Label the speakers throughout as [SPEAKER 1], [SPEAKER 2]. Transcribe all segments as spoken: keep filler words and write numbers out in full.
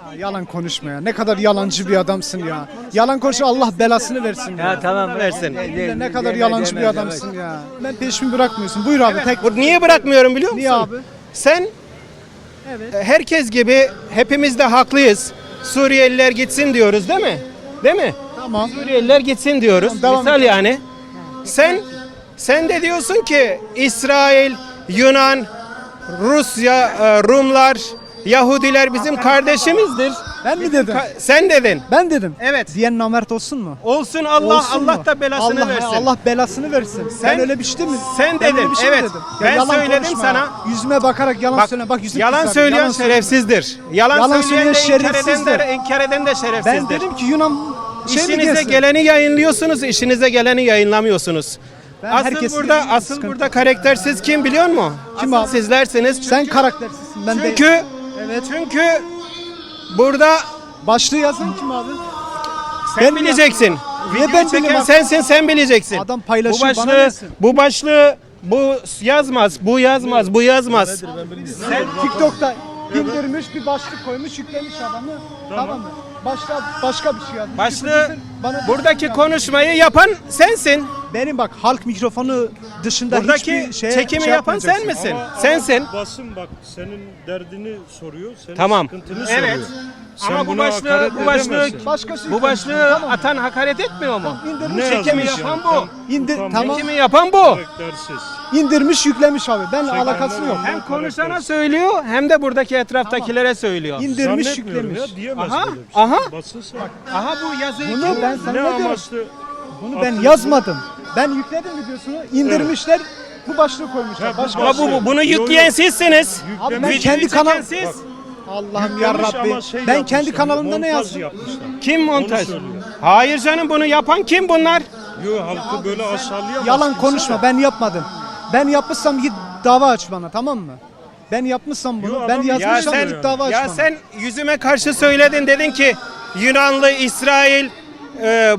[SPEAKER 1] Yalan konuşma ya. Ne kadar yalancı bir adamsın ya. Yalan konuşma, Allah belasını versin ya.
[SPEAKER 2] Ya tamam versin.
[SPEAKER 1] Yeminle ne kadar yalancı bir adamsın ya. Ben peşimi bırakmıyorsun. Buyur abi. Tek...
[SPEAKER 3] Bu niye bırakmıyorum biliyor musun?
[SPEAKER 1] Niye abi?
[SPEAKER 3] Sen
[SPEAKER 1] Evet.
[SPEAKER 3] herkes gibi hepimiz de haklıyız. Suriyeliler gitsin diyoruz değil mi? Değil mi?
[SPEAKER 1] Tamam.
[SPEAKER 3] Suriyeliler gitsin diyoruz.
[SPEAKER 1] Tamam, devam
[SPEAKER 3] Misal yani. Sen sen de diyorsun ki İsrail, Yunan, Rusya, e, Rumlar, Yahudiler bizim kardeşimizdir.
[SPEAKER 1] Ben mi dedim?
[SPEAKER 3] Ka- Sen dedin.
[SPEAKER 1] Ben dedim.
[SPEAKER 3] Evet.
[SPEAKER 1] Diyen namert olsun mu?
[SPEAKER 3] Olsun Allah
[SPEAKER 1] Olsun
[SPEAKER 3] Allah
[SPEAKER 1] mu?
[SPEAKER 3] da belasını
[SPEAKER 1] Allah,
[SPEAKER 3] versin.
[SPEAKER 1] Allah belasını versin. Sen,
[SPEAKER 3] Sen-
[SPEAKER 1] öyle bir şey değil mi?
[SPEAKER 3] sen
[SPEAKER 1] Ben öyle
[SPEAKER 3] dedin,
[SPEAKER 1] bir şey mi
[SPEAKER 3] evet.
[SPEAKER 1] dedim?
[SPEAKER 3] Ben
[SPEAKER 1] yalan
[SPEAKER 3] söyledim
[SPEAKER 1] konuşma
[SPEAKER 3] sana.
[SPEAKER 1] ya. Yüzüme bakarak yalan
[SPEAKER 3] Bak,
[SPEAKER 1] söyle. Bak yüzüm
[SPEAKER 3] yalan
[SPEAKER 1] kızardı.
[SPEAKER 3] söyleyen
[SPEAKER 1] Yalan söyle.
[SPEAKER 3] şerefsizdir. Yalan,
[SPEAKER 1] Yalan
[SPEAKER 3] söyleyen de
[SPEAKER 1] söyleyen
[SPEAKER 3] inkar eden de,
[SPEAKER 1] şerefsizdir.
[SPEAKER 3] inkar eden de şerefsizdir.
[SPEAKER 1] Ben dedim ki Yunan şey mi
[SPEAKER 3] İşinize
[SPEAKER 1] gelsin?
[SPEAKER 3] geleni yayınlıyorsunuz, işinize geleni yayınlamıyorsunuz.
[SPEAKER 1] Ben
[SPEAKER 3] asıl
[SPEAKER 1] herkesi
[SPEAKER 3] burada
[SPEAKER 1] yayınlıyorum,
[SPEAKER 3] asıl
[SPEAKER 1] sıkıntı
[SPEAKER 3] burada karaktersiz kim biliyor musun?
[SPEAKER 1] Kim
[SPEAKER 3] asıl
[SPEAKER 1] abi?
[SPEAKER 3] sizlersiniz. Çünkü,
[SPEAKER 1] Sen karaktersizsin. Ben
[SPEAKER 3] çünkü
[SPEAKER 1] de. Evet.
[SPEAKER 3] çünkü burada
[SPEAKER 1] Başlığı yazan kim abi?
[SPEAKER 3] sen
[SPEAKER 1] Ben
[SPEAKER 3] bileceksin.
[SPEAKER 1] Niye
[SPEAKER 3] Videoyu
[SPEAKER 1] ben
[SPEAKER 3] çeken
[SPEAKER 1] bileyim?
[SPEAKER 3] sensin, sen bileceksin.
[SPEAKER 1] Adam
[SPEAKER 3] bu
[SPEAKER 1] paylaşıyor, bana
[SPEAKER 3] başlığı,
[SPEAKER 1] versin.
[SPEAKER 3] bu başlığı bu yazmaz, bu yazmaz, bu yazmaz.
[SPEAKER 1] Sen TikTok'ta indirmiş bir başlık koymuş, yüklemiş adamı. Tamam, mı? Başka başka bir şey yazmış.
[SPEAKER 3] Başlığı
[SPEAKER 1] Yüklemişsin, bana
[SPEAKER 3] buradaki
[SPEAKER 1] diyorsun ya,
[SPEAKER 3] konuşmayı yapan sensin.
[SPEAKER 1] benim bak halk mikrofonu dışında
[SPEAKER 3] Buradaki
[SPEAKER 1] hiçbir şeye
[SPEAKER 3] çekimi
[SPEAKER 1] şey
[SPEAKER 3] yapan sen
[SPEAKER 1] yapmayacaksın.
[SPEAKER 3] misin?
[SPEAKER 4] Ama-
[SPEAKER 3] Sensin.
[SPEAKER 4] ama basın bak senin derdini soruyor, senin
[SPEAKER 3] Tamam.
[SPEAKER 4] sıkıntını
[SPEAKER 3] Evet.
[SPEAKER 4] soruyor. Sen
[SPEAKER 3] Ama bu
[SPEAKER 4] buna
[SPEAKER 3] başlığı
[SPEAKER 4] hakaret
[SPEAKER 3] bu başlığı
[SPEAKER 4] edemezsin.
[SPEAKER 1] Başkası
[SPEAKER 3] bu başlığı atan hakaret etmiyor mu?
[SPEAKER 1] indirmiş,
[SPEAKER 4] Ne
[SPEAKER 3] Çekimi
[SPEAKER 4] yazmış
[SPEAKER 3] yapan
[SPEAKER 4] yani?
[SPEAKER 3] bu.
[SPEAKER 4] Tam
[SPEAKER 1] İndir,
[SPEAKER 4] utanmaz,
[SPEAKER 1] tamam.
[SPEAKER 3] Çekimi yapan bu.
[SPEAKER 4] karaktersiz.
[SPEAKER 1] indirmiş, yüklemiş abi. Benle alakası yok.
[SPEAKER 3] Hem konuşana söylüyor hem de buradaki etraftakilere söylüyor.
[SPEAKER 1] İndirmiş,
[SPEAKER 4] Zannetmiyorum
[SPEAKER 1] yüklemiş.
[SPEAKER 4] ya, diyemez
[SPEAKER 3] Aha,
[SPEAKER 4] böyle bir şey.
[SPEAKER 3] aha.
[SPEAKER 4] Basın sen.
[SPEAKER 3] Aha bu yazıyı
[SPEAKER 1] Bunu
[SPEAKER 3] kim-
[SPEAKER 1] ben sana
[SPEAKER 4] Ne
[SPEAKER 1] ne diyorum?
[SPEAKER 4] amaçlı?
[SPEAKER 1] Bunu ben
[SPEAKER 4] atıyorsun?
[SPEAKER 1] yazmadım. Ben yükledim videosunu, indirmişler. Bu başlığı koymuşlar.
[SPEAKER 4] Ha, bu
[SPEAKER 1] Başka
[SPEAKER 3] Ama bu, bu- bunu yükleyen sizsiniz.
[SPEAKER 1] Abi ben
[SPEAKER 4] Yüklemiş,
[SPEAKER 1] kendi
[SPEAKER 3] Videoyu
[SPEAKER 1] kanal
[SPEAKER 3] çeken siz.
[SPEAKER 1] Allah'ım ya
[SPEAKER 4] yüklemiş
[SPEAKER 1] Rabbi.
[SPEAKER 4] ama şey
[SPEAKER 1] Ben
[SPEAKER 4] yapmışlar,
[SPEAKER 1] kendi kanalımda ne
[SPEAKER 4] montaj
[SPEAKER 1] yazdım?
[SPEAKER 4] yapmışlar.
[SPEAKER 3] Kim montaj?
[SPEAKER 4] söylüyor.
[SPEAKER 3] Hayır canım bunu yapan kim bunlar?
[SPEAKER 4] Yo, halkı böyle aşağılayamazsın.
[SPEAKER 1] Yalan
[SPEAKER 4] sen.
[SPEAKER 1] konuşma. Ben yapmadım. Ben yapmışsam git dava aç bana, tamam mı? Ben yapmışsam bunu,
[SPEAKER 4] Yo,
[SPEAKER 1] ben
[SPEAKER 4] adam-
[SPEAKER 3] Ya
[SPEAKER 1] yazmışsam
[SPEAKER 3] sen
[SPEAKER 1] git dava aç
[SPEAKER 3] ya
[SPEAKER 1] bana.
[SPEAKER 3] sen yüzüme karşı söyledin dedin ki Yunanlı, İsrail, e,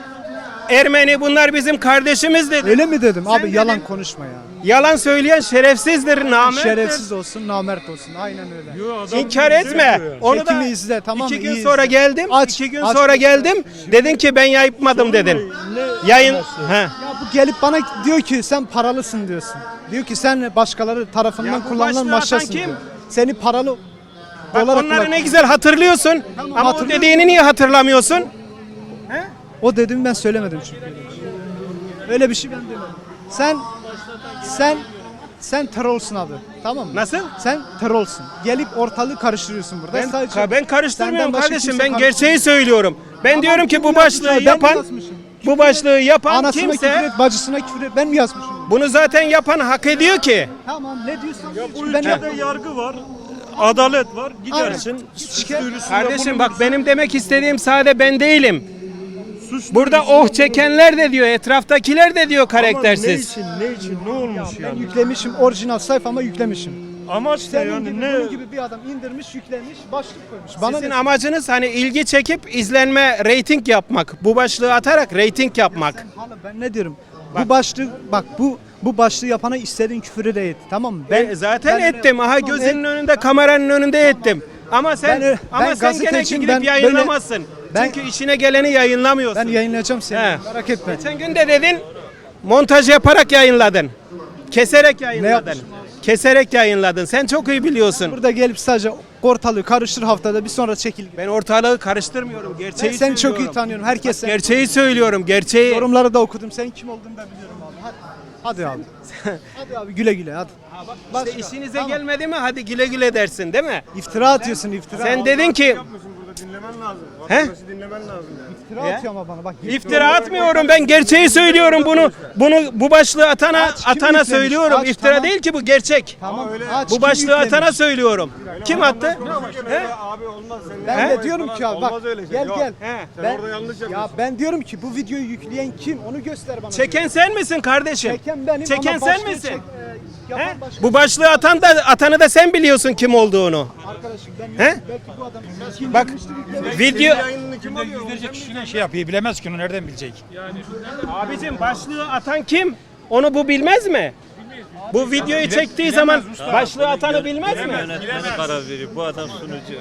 [SPEAKER 3] Ermeni bunlar bizim kardeşimiz dedin.
[SPEAKER 1] Öyle mi dedim? Abi
[SPEAKER 3] dedin.
[SPEAKER 1] yalan konuşma ya.
[SPEAKER 3] Yalan söyleyen şerefsizdir, namerttir.
[SPEAKER 1] Şerefsiz olsun, namert olsun. Aynen öyle.
[SPEAKER 4] Yo, adam
[SPEAKER 3] İnkar
[SPEAKER 4] bize
[SPEAKER 3] etme.
[SPEAKER 4] yapıyor yani.
[SPEAKER 3] Onu da
[SPEAKER 1] Çekimi izle, tamam
[SPEAKER 3] iki
[SPEAKER 1] mı?
[SPEAKER 3] gün
[SPEAKER 1] İyi
[SPEAKER 3] sonra
[SPEAKER 1] izle.
[SPEAKER 3] geldim.
[SPEAKER 1] Aç,
[SPEAKER 3] iki gün
[SPEAKER 1] aç.
[SPEAKER 3] sonra geldim. Dedin ki ben yapmadım dedin.
[SPEAKER 4] Ne
[SPEAKER 3] Yayın.
[SPEAKER 4] yapması?
[SPEAKER 3] He.
[SPEAKER 1] Ya bu gelip bana diyor ki sen paralısın diyorsun. Diyor ki sen başkaları tarafından
[SPEAKER 3] Ya bu
[SPEAKER 1] kullanılan
[SPEAKER 3] başlığı atan
[SPEAKER 1] maşasın
[SPEAKER 3] kim?
[SPEAKER 1] diyor. Seni paralı
[SPEAKER 3] Bak
[SPEAKER 1] olarak
[SPEAKER 3] onları
[SPEAKER 1] kullan-
[SPEAKER 3] ne güzel hatırlıyorsun. Ama o
[SPEAKER 1] hatırlıyorum.
[SPEAKER 3] dediğini niye hatırlamıyorsun?
[SPEAKER 1] O dediğimi ben söylemedim çünkü. Öyle bir şey ben demedim. Sen sen sen trollsün abi. Tamam mı?
[SPEAKER 3] Nasıl?
[SPEAKER 1] Sen trollsün. Gelip ortalığı karıştırıyorsun burada.
[SPEAKER 3] Ben,
[SPEAKER 1] Sadece
[SPEAKER 3] ka- ben karıştırmıyorum
[SPEAKER 1] senden başka
[SPEAKER 3] kardeşim.
[SPEAKER 1] kimse
[SPEAKER 3] Ben
[SPEAKER 1] karıştırmıyor.
[SPEAKER 3] gerçeği söylüyorum. Ben
[SPEAKER 1] Tamam,
[SPEAKER 3] diyorum ki
[SPEAKER 1] kim
[SPEAKER 3] bu
[SPEAKER 1] yazmış
[SPEAKER 3] başlığı
[SPEAKER 1] abi? Ben mi
[SPEAKER 3] yapan
[SPEAKER 1] yazmışım?
[SPEAKER 3] bu başlığı yapan
[SPEAKER 1] Anasına küfür
[SPEAKER 3] kimse
[SPEAKER 1] et, bacısına küfür et. Ben mi yazmışım?
[SPEAKER 3] bunu zaten yapan hak ediyor ki.
[SPEAKER 1] Tamam ne diyorsan.
[SPEAKER 4] Ya bu
[SPEAKER 1] ben
[SPEAKER 4] ülkede
[SPEAKER 1] yapmadım.
[SPEAKER 4] yargı var, adalet var. Gidersin, suç
[SPEAKER 1] Şikayet-
[SPEAKER 4] duyurusunda
[SPEAKER 3] Kardeşim bak
[SPEAKER 4] bulunursun.
[SPEAKER 3] benim demek istediğim sade ben değilim.
[SPEAKER 4] Suç
[SPEAKER 3] Burada
[SPEAKER 4] duyurusunda
[SPEAKER 3] oh çekenler de diyor, etraftakiler de diyor
[SPEAKER 4] Ama Ne
[SPEAKER 3] karaktersiz.
[SPEAKER 4] için, ne için, ne olmuş
[SPEAKER 1] Ben
[SPEAKER 4] yani?
[SPEAKER 1] yüklemişim, orijinal sayfama yüklemişim.
[SPEAKER 4] Amaç ne
[SPEAKER 1] Senin
[SPEAKER 4] yani,
[SPEAKER 1] gibi,
[SPEAKER 4] ne?
[SPEAKER 1] bunun gibi bir adam indirmiş, yüklemiş, başlık koymuş. Bana
[SPEAKER 3] Sizin
[SPEAKER 1] ne?
[SPEAKER 3] amacınız hani ilgi çekip izlenme, reyting yapmak. Bu başlığı atarak reyting yapmak.
[SPEAKER 1] Hala ben ne diyorum? Bu başlık bak bu bu başlığı yapana istediğin küfürü de et. Tamam mı?
[SPEAKER 3] Ben zaten
[SPEAKER 1] ben-
[SPEAKER 3] ettim. Aha
[SPEAKER 1] Tamam,
[SPEAKER 3] gözünün
[SPEAKER 1] et.
[SPEAKER 3] önünde, kameranın önünde ettim. Ama sen
[SPEAKER 1] Ben-
[SPEAKER 3] ama
[SPEAKER 1] ben
[SPEAKER 3] sen gene
[SPEAKER 1] gazeteciyim,
[SPEAKER 3] gidip
[SPEAKER 1] ben
[SPEAKER 3] yayınlamazsın.
[SPEAKER 1] ben-
[SPEAKER 3] Çünkü işine geleni yayınlamıyorsun.
[SPEAKER 1] Ben yayınlayacağım seni.
[SPEAKER 3] He.
[SPEAKER 1] Merak etme.
[SPEAKER 3] Geçen gün de dedin montaj yaparak yayınladın. Keserek yayınladın.
[SPEAKER 1] yapmışım?
[SPEAKER 3] Keserek yayınladın. Sen çok iyi biliyorsun.
[SPEAKER 1] Burada gelip sadece ortalığı karıştır haftada bir sonra çekil.
[SPEAKER 3] Ben ortalığı karıştırmıyorum. Gerçeği
[SPEAKER 1] Ben seni çok iyi
[SPEAKER 3] söylüyorum.
[SPEAKER 1] tanıyorum. Herkes sen.
[SPEAKER 3] Gerçeği söylüyorum. Gerçeği.
[SPEAKER 1] Yorumları da okudum. Sen kim olduğunu da biliyorum abi. Hadi. Hadi abi. Hadi abi güle güle hadi.
[SPEAKER 3] İşte
[SPEAKER 1] Başka.
[SPEAKER 3] işinize
[SPEAKER 1] Tamam.
[SPEAKER 3] gelmedi mi? Hadi güle güle dersin, değil mi?
[SPEAKER 1] İftira atıyorsun iftira.
[SPEAKER 3] Sen dedin ki
[SPEAKER 4] Burada dinlemen lazım.
[SPEAKER 3] He?
[SPEAKER 4] Vatandaşı dinlemen lazım yani.
[SPEAKER 1] İftira
[SPEAKER 3] Ya.
[SPEAKER 1] atıyor ama bana bak.
[SPEAKER 3] İftira atmıyorum, ben gerçeği söylüyorum bunu. Bunu bu başlığı atana
[SPEAKER 1] Aç, kim
[SPEAKER 3] atana
[SPEAKER 1] yüklemiş?
[SPEAKER 3] söylüyorum.
[SPEAKER 1] Aç,
[SPEAKER 3] İftira
[SPEAKER 1] tamam.
[SPEAKER 3] değil ki bu gerçek.
[SPEAKER 1] Tamam. Aç,
[SPEAKER 3] Bu
[SPEAKER 1] kim
[SPEAKER 3] başlığı
[SPEAKER 1] yüklemiş?
[SPEAKER 3] atana söylüyorum. Kim attı? He?
[SPEAKER 4] Abi olmaz senin.
[SPEAKER 1] Ben
[SPEAKER 3] He?
[SPEAKER 1] de diyorum ki abi bak
[SPEAKER 4] Olmaz öyle şey,
[SPEAKER 1] gel
[SPEAKER 4] yok.
[SPEAKER 1] gel.
[SPEAKER 3] He.
[SPEAKER 4] Sen
[SPEAKER 1] Ben,
[SPEAKER 4] orada yanlış
[SPEAKER 1] ya
[SPEAKER 4] yapıyorsun.
[SPEAKER 1] ben diyorum ki bu videoyu yükleyen kim onu göster bana.
[SPEAKER 3] Çeken sen misin kardeşim?
[SPEAKER 1] Çeken benim
[SPEAKER 3] Çeken
[SPEAKER 1] ama
[SPEAKER 3] sen
[SPEAKER 1] başlığı
[SPEAKER 3] misin?
[SPEAKER 1] çek- e, yapan
[SPEAKER 3] He?
[SPEAKER 1] başka-
[SPEAKER 3] Bu başlığı atan da atanı da sen biliyorsun kim olduğunu.
[SPEAKER 1] Arkadaşım ben
[SPEAKER 3] He?
[SPEAKER 1] belki bu adam
[SPEAKER 3] Bak video
[SPEAKER 4] Yayınını kim alıyor?
[SPEAKER 5] Yüzlerce kişiyle şey yapıyor, bilemez ki onu nereden bilecek?
[SPEAKER 3] abicim başlığı atan kim? Onu bu bilmez mi? Bu videoyu çektiği zaman başlığı atanı bilmez mi?
[SPEAKER 4] Yönetmeni karar veriyor. Bu adam sunucu.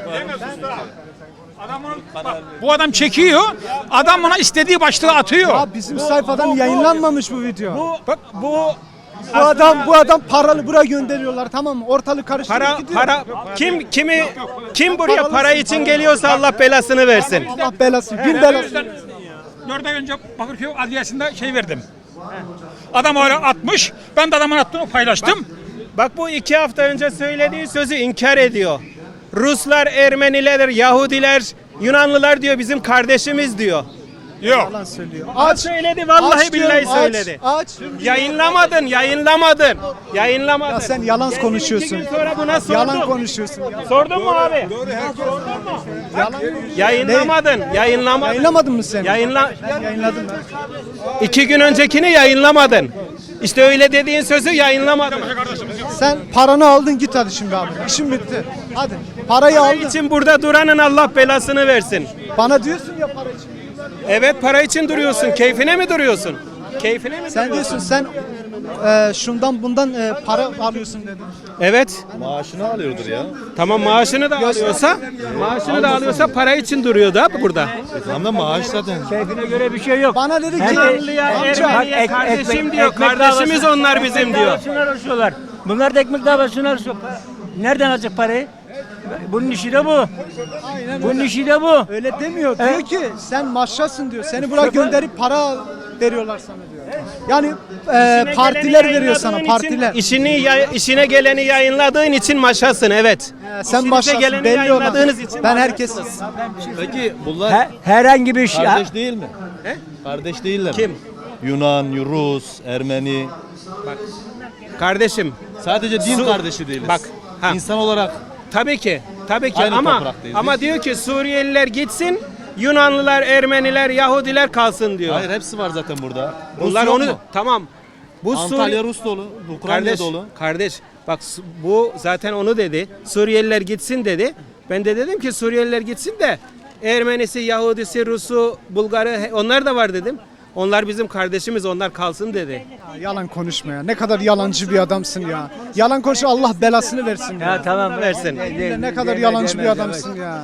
[SPEAKER 2] Bu adam çekiyor, adam ona istediği başlığı atıyor.
[SPEAKER 1] Ya bizim sayfadan yayınlanmamış bu video. Bu,
[SPEAKER 3] Bak bu
[SPEAKER 1] bu adam bu adam paralı buraya gönderiyorlar, tamam mı? Ortalık karıştırıp
[SPEAKER 3] para
[SPEAKER 1] gidiyor.
[SPEAKER 3] para kim kimi kim buraya para için geliyorsa Allah belasını versin.
[SPEAKER 1] Allah belası, bin belası.
[SPEAKER 2] Dört ay önce Bakırköy Adliyesi'nde şey verdim. Adam öyle atmış, ben de adamın attığını paylaştım.
[SPEAKER 3] Bak bu iki hafta önce söylediği sözü inkar ediyor. Ruslar, Ermeniler, Yahudiler, Yunanlılar diyor bizim kardeşimiz diyor.
[SPEAKER 2] Yok.
[SPEAKER 1] Yalan söylüyor.
[SPEAKER 3] Aç söyledi vallahi
[SPEAKER 1] Aç
[SPEAKER 3] billahi
[SPEAKER 1] diyorum, aç,
[SPEAKER 3] söyledi.
[SPEAKER 1] Aç.
[SPEAKER 3] Yayınlamadın, yayınlamadın. Yayınlamadın.
[SPEAKER 1] Ya sen yalan
[SPEAKER 3] Geldim
[SPEAKER 1] konuşuyorsun.
[SPEAKER 3] iki gün sonra buna sordum.
[SPEAKER 1] Yalan konuşuyorsun. Ya.
[SPEAKER 3] Sordun mu abi?
[SPEAKER 1] Yalan.
[SPEAKER 3] Yayınlamadın, yayınlamadın.
[SPEAKER 1] Yayınlamadın mı sen?
[SPEAKER 3] Yayınla.
[SPEAKER 1] Ben yayınladım ben.
[SPEAKER 3] İki gün öncekini yayınlamadın. İşte öyle dediğin sözü yayınlamadın.
[SPEAKER 1] Sen paranı aldın, git hadi şimdi abi. İşin bitti. Hadi. Parayı
[SPEAKER 3] Para
[SPEAKER 1] aldın.
[SPEAKER 3] için burada duranın Allah belasını versin.
[SPEAKER 1] Bana diyorsun ya para için.
[SPEAKER 3] Evet para için duruyorsun. Keyfine mi duruyorsun? Keyfine mi
[SPEAKER 1] Sen
[SPEAKER 3] duruyorsun?
[SPEAKER 1] diyorsun sen e, şundan bundan e, para alıyorsun dedin.
[SPEAKER 3] Evet.
[SPEAKER 5] Maaşını alıyordur ya.
[SPEAKER 3] Tamam maaşını da alıyorsa, maaşını da alıyorsa para için duruyor da burada.
[SPEAKER 5] Tamam da maaş zaten.
[SPEAKER 6] Keyfine göre bir şey yok.
[SPEAKER 1] Bana dedi ki
[SPEAKER 3] Yunanlıya,
[SPEAKER 1] amca
[SPEAKER 3] Ermeniye
[SPEAKER 6] ek-
[SPEAKER 3] kardeşim
[SPEAKER 6] ekmek-
[SPEAKER 3] diyor.
[SPEAKER 6] ekmek
[SPEAKER 3] Kardeşimiz
[SPEAKER 6] davası-
[SPEAKER 3] onlar bizim
[SPEAKER 6] ekmek
[SPEAKER 3] diyor.
[SPEAKER 6] davasını arıyorlar. Bunlar da ekmek davasını arıyor. Nereden alacak parayı? Bunun işi de bu. Bunun işi de bu.
[SPEAKER 1] öyle demiyor. Diyor ki sen maşrasın diyor. Seni buraya gönderip para veriyorlar sana diyor. Yani e,
[SPEAKER 3] İşine
[SPEAKER 1] partiler
[SPEAKER 3] geleni
[SPEAKER 1] veriyor sana
[SPEAKER 3] yayınladığın
[SPEAKER 1] partiler.
[SPEAKER 3] Için, işini yay- işine geleni yayınladığın için maşasın evet.
[SPEAKER 1] E, sen
[SPEAKER 3] İşinize
[SPEAKER 1] maşrasın
[SPEAKER 3] geleni
[SPEAKER 1] belli olan.
[SPEAKER 3] yayınladığınız için
[SPEAKER 1] Ben
[SPEAKER 3] maşasınız.
[SPEAKER 1] herkes
[SPEAKER 5] Peki bunlar
[SPEAKER 6] He- herhangi bir şey.
[SPEAKER 5] kardeş değil mi? Kardeş değiller mi?
[SPEAKER 3] Kim?
[SPEAKER 5] Yunan, Rus, Ermeni.
[SPEAKER 3] Kardeşim
[SPEAKER 5] Sadece din
[SPEAKER 3] Su-
[SPEAKER 5] kardeşi değiliz.
[SPEAKER 3] Bak, ha.
[SPEAKER 5] İnsan olarak
[SPEAKER 3] tabii ki tabii ki
[SPEAKER 5] Aynı
[SPEAKER 3] ama
[SPEAKER 5] topraktayız
[SPEAKER 3] ama
[SPEAKER 5] biz.
[SPEAKER 3] diyor ki Suriyeliler gitsin, Yunanlılar, Ermeniler, Yahudiler kalsın diyor.
[SPEAKER 5] hayır hepsi var zaten burada. Rus
[SPEAKER 3] Bunlar
[SPEAKER 5] yok
[SPEAKER 3] onu
[SPEAKER 5] mu?
[SPEAKER 3] tamam. Bu
[SPEAKER 5] Antalya
[SPEAKER 3] Suri-
[SPEAKER 5] Rus dolu, Ukrayna
[SPEAKER 3] kardeş,
[SPEAKER 5] dolu.
[SPEAKER 3] kardeş bak su- bu zaten onu dedi. Suriyeliler gitsin dedi. Ben de dedim ki Suriyeliler gitsin de Ermenisi, Yahudisi, Rusu, Bulgarı he- onlar da var dedim. Onlar bizim kardeşimiz, onlar kalsın dedi.
[SPEAKER 1] yalan konuşma ya. Ne kadar yalancı bir adamsın ya. Yalan konuş, Allah belasını versin ya.
[SPEAKER 6] Ya tamam.
[SPEAKER 3] Versin.
[SPEAKER 1] Ne, ne kadar yalancı bir adamsın ya.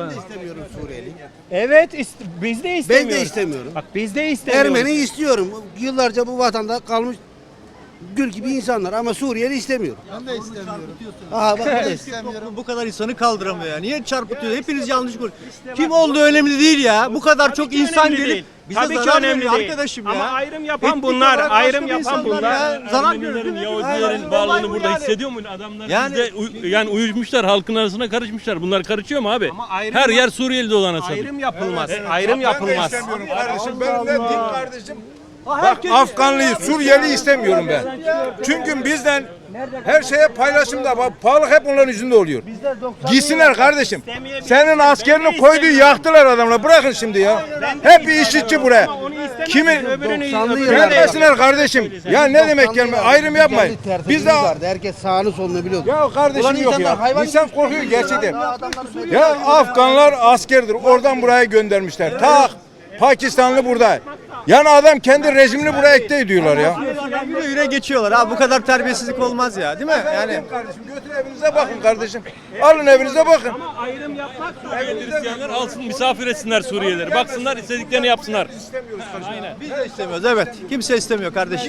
[SPEAKER 3] Evet, ist- biz de istemiyoruz.
[SPEAKER 7] Ben de istemiyorum.
[SPEAKER 3] Bak biz de istemiyoruz.
[SPEAKER 7] Ermeni istiyorum. Yıllarca bu vatanda kalmış gül gibi insanlar ama Suriyeli istemiyorum. Ben de istemiyorum. Aha bak bu da istemiyorum.
[SPEAKER 8] Bu kadar insanı kaldıramıyor ya. Niye çarpıtıyor? Hepiniz yanlış konuşuyorsunuz. Kim olduğu önemli değil ya. Bu kadar çok
[SPEAKER 3] ki
[SPEAKER 8] insan
[SPEAKER 3] önemli
[SPEAKER 8] gelip
[SPEAKER 3] değil.
[SPEAKER 8] bize
[SPEAKER 3] Tabii ki
[SPEAKER 8] zarar
[SPEAKER 3] önemli
[SPEAKER 8] veriyor
[SPEAKER 3] değil.
[SPEAKER 8] arkadaşım ya.
[SPEAKER 3] Ama ayrım yapan
[SPEAKER 8] Etnik
[SPEAKER 3] bunlar,
[SPEAKER 8] olarak
[SPEAKER 3] ayrım
[SPEAKER 8] başka bir
[SPEAKER 3] yapan
[SPEAKER 8] insanlar
[SPEAKER 3] bunlar.
[SPEAKER 8] ya. Zarar
[SPEAKER 4] Ermenilerin,
[SPEAKER 8] görüyor.
[SPEAKER 4] Yahudilerin varlığını burada hissediyor mu? Adamlar
[SPEAKER 8] Yani-
[SPEAKER 4] bizde uy- yani uyuşmuşlar, halkın arasına karışmışlar. Bunlar karışıyor mu abi?
[SPEAKER 3] Ama ayrım
[SPEAKER 4] Her
[SPEAKER 3] yap-
[SPEAKER 4] yer Suriyeli dolana satıyor.
[SPEAKER 3] Ayrım yapılmaz. Ayrım yapılmaz.
[SPEAKER 9] Kardeşim benim de din kardeşim. Bak Afganlıyı, Suriyeli istemiyorum ben. Çünkü bizden her şeye paylaşımda bak pahalı hep onların yüzünde oluyor. Gitsinler kardeşim. Senin askerini koyduğu yaktılar adamlar. Bırakın şimdi ya. Hep bir işçi buraya. Kimi
[SPEAKER 3] Öbürünü
[SPEAKER 9] gelmesinler kardeşim. Ya ne demek gelme? Ayrım yapmayın. Biz de
[SPEAKER 7] herkes sağını solunu biliyordu.
[SPEAKER 9] ya
[SPEAKER 7] Ulan
[SPEAKER 9] kardeşim yok
[SPEAKER 7] insanlar
[SPEAKER 9] ya.
[SPEAKER 7] hayvan
[SPEAKER 9] İnsan korkuyor gerçekten.
[SPEAKER 7] Adamlar söylüyor.
[SPEAKER 9] Ya Afganlar askerdir. Oradan buraya göndermişler. Tak Pakistanlı burada. Yani adam kendi rejimini buraya ekte ediyorlar ya.
[SPEAKER 8] Yürü yürü geçiyorlar. Abi bu kadar terbiyesizlik olmaz ya. Değil mi? Yani
[SPEAKER 9] Kardeşim götür evinize bakın kardeşim. Alın evinize bakın.
[SPEAKER 3] ayrım yapmak
[SPEAKER 4] Suriyeli Hristiyanlar alsın misafir etsinler Suriyelileri. Baksınlar istediklerini yapsınlar.
[SPEAKER 8] biz de istemiyoruz. Evet. Kimse istemiyor kardeşim.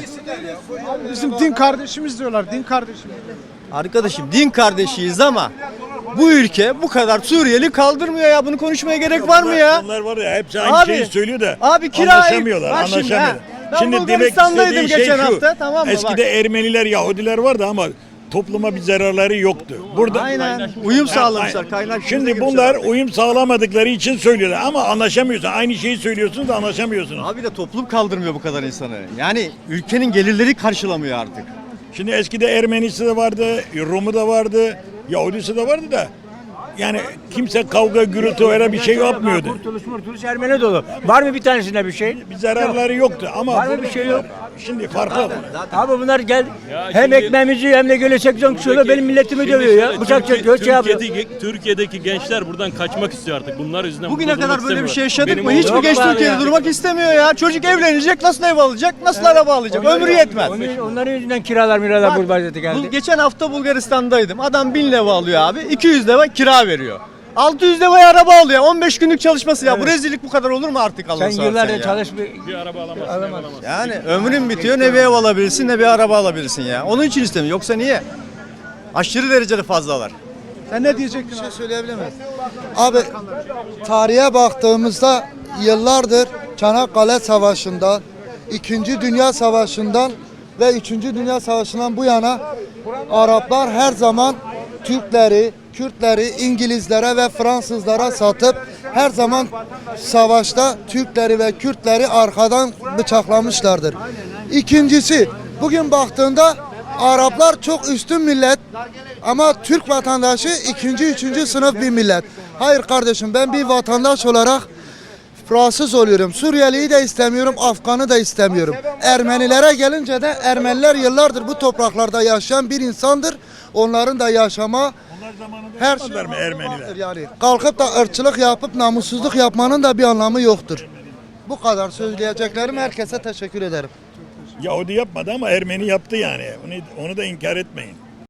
[SPEAKER 1] Bizim din kardeşimiz diyorlar, din kardeşimiz.
[SPEAKER 8] Arkadaşım din kardeşiyiz ama bu ülke bu kadar Suriyeli kaldırmıyor ya. Bunu konuşmaya gerek var mı ya?
[SPEAKER 10] Onlar var ya hepsi aynı
[SPEAKER 8] Abi,
[SPEAKER 10] şeyi söylüyor da
[SPEAKER 8] abi kira-
[SPEAKER 10] anlaşamıyorlar,
[SPEAKER 8] Bak şimdi,
[SPEAKER 10] anlaşamıyorlar.
[SPEAKER 8] ha. Ben
[SPEAKER 10] Şimdi demek
[SPEAKER 8] Bulgaristan'daydım
[SPEAKER 10] istediği şey
[SPEAKER 8] geçen
[SPEAKER 10] şu.
[SPEAKER 8] hafta, tamam mı?
[SPEAKER 10] Eskide
[SPEAKER 8] Bak.
[SPEAKER 10] Ermeniler, Yahudiler vardı ama topluma bir zararları yoktu. Burada
[SPEAKER 8] Aynen. Uyum sağlamışlar. Kaynak
[SPEAKER 10] Şimdi bunlar uyum sağlamadıkları için söylüyorlar ama anlaşamıyorsun. Aynı şeyi söylüyorsunuz da anlaşamıyorsunuz.
[SPEAKER 8] Abi de toplum kaldırmıyor bu kadar insanı. Yani ülkenin gelirleri karşılamıyor artık.
[SPEAKER 10] Şimdi eskide Ermenisi de vardı, Rumu da vardı, Yahudisi de vardı da yani kimse kavga, gürültü öyle bir şey yapmıyordu.
[SPEAKER 6] Kurtuluş murtuluş Ermeni dolu. Var mı bir tanesinde bir şey?
[SPEAKER 10] Bir zararları yoktu ama
[SPEAKER 6] Var mı bir şey yok?
[SPEAKER 10] şimdi farklı.
[SPEAKER 6] Abi bunlar gel
[SPEAKER 4] Ya
[SPEAKER 6] hem
[SPEAKER 4] şimdi-
[SPEAKER 6] ekmeğimizi hem de göle seksen şöyle benim milletimi
[SPEAKER 4] Şimdi
[SPEAKER 6] dövüyor ya.
[SPEAKER 4] şöyle,
[SPEAKER 6] Bıçak
[SPEAKER 4] Türkiye-
[SPEAKER 6] çekiyor, şey yapıyor.
[SPEAKER 4] Türkiye'deki, Türkiye'deki gençler buradan kaçmak istiyor artık. Bunlar yüzünden
[SPEAKER 8] Bugüne
[SPEAKER 4] burada
[SPEAKER 8] kadar
[SPEAKER 4] durmak
[SPEAKER 8] böyle bir şey
[SPEAKER 4] istemiyorlar.
[SPEAKER 8] yaşadık
[SPEAKER 4] Benim
[SPEAKER 8] mı? Hiçbir
[SPEAKER 4] oğlum-
[SPEAKER 8] genç
[SPEAKER 6] var
[SPEAKER 8] Türkiye'de
[SPEAKER 6] ya.
[SPEAKER 8] durmak istemiyor ya. Çocuk evlenecek, nasıl ev alacak, nasıl araba alacak? Ömrü yetmez.
[SPEAKER 6] Onun- onların yüzünden kiralar miralar
[SPEAKER 8] Bak,
[SPEAKER 6] burada
[SPEAKER 8] bu-
[SPEAKER 6] geldi.
[SPEAKER 8] geçen hafta Bulgaristan'daydım. Adam bin leva alıyor abi. iki yüz leva kira veriyor. altı yüz levaya araba alıyor. on beş günlük çalışması ya. Bu rezillik bu kadar olur mu artık Allah'ını
[SPEAKER 6] Sen
[SPEAKER 8] seversen
[SPEAKER 6] yıllarca
[SPEAKER 8] ya?
[SPEAKER 6] çalış bir
[SPEAKER 4] Bir araba alamazsın, ev alamazsın.
[SPEAKER 8] Yani ömrün bitiyor, ne bir ev alabilirsin ne bir araba alabilirsin ya. Onun için istemiyor. Yoksa niye? Aşırı derecede fazlalar.
[SPEAKER 1] Sen ne diyecektin?
[SPEAKER 7] Bir şey söyleyebilir miyim? Abi tarihe baktığımızda yıllardır Çanakkale Savaşı'ndan, İkinci Dünya Savaşı'ndan ve Üçüncü Dünya Savaşı'ndan bu yana Araplar her zaman Türkleri, Kürtleri İngilizlere ve Fransızlara satıp her zaman savaşta Türkleri ve Kürtleri arkadan bıçaklamışlardır. İkincisi, bugün baktığında Araplar çok üstün millet ama Türk vatandaşı ikinci, üçüncü sınıf bir millet. Hayır kardeşim, ben bir vatandaş olarak rahatsız oluyorum. Suriyeliyi de istemiyorum, Afgan'ı da istemiyorum. Ermenilere gelince de Ermeniler yıllardır bu topraklarda yaşayan bir insandır. Onların da yaşama
[SPEAKER 10] Onlar zamanında
[SPEAKER 8] her şey
[SPEAKER 10] yapmadılar mı Ermeniler?
[SPEAKER 8] vardır yani. Kalkıp da ırkçılık yapıp namussuzluk yapmanın da bir anlamı yoktur. Bu kadar söyleyeceklerim, herkese teşekkür ederim.
[SPEAKER 10] Yahudi yapmadı ama Ermeni yaptı yani. Onu, onu da inkar etmeyin.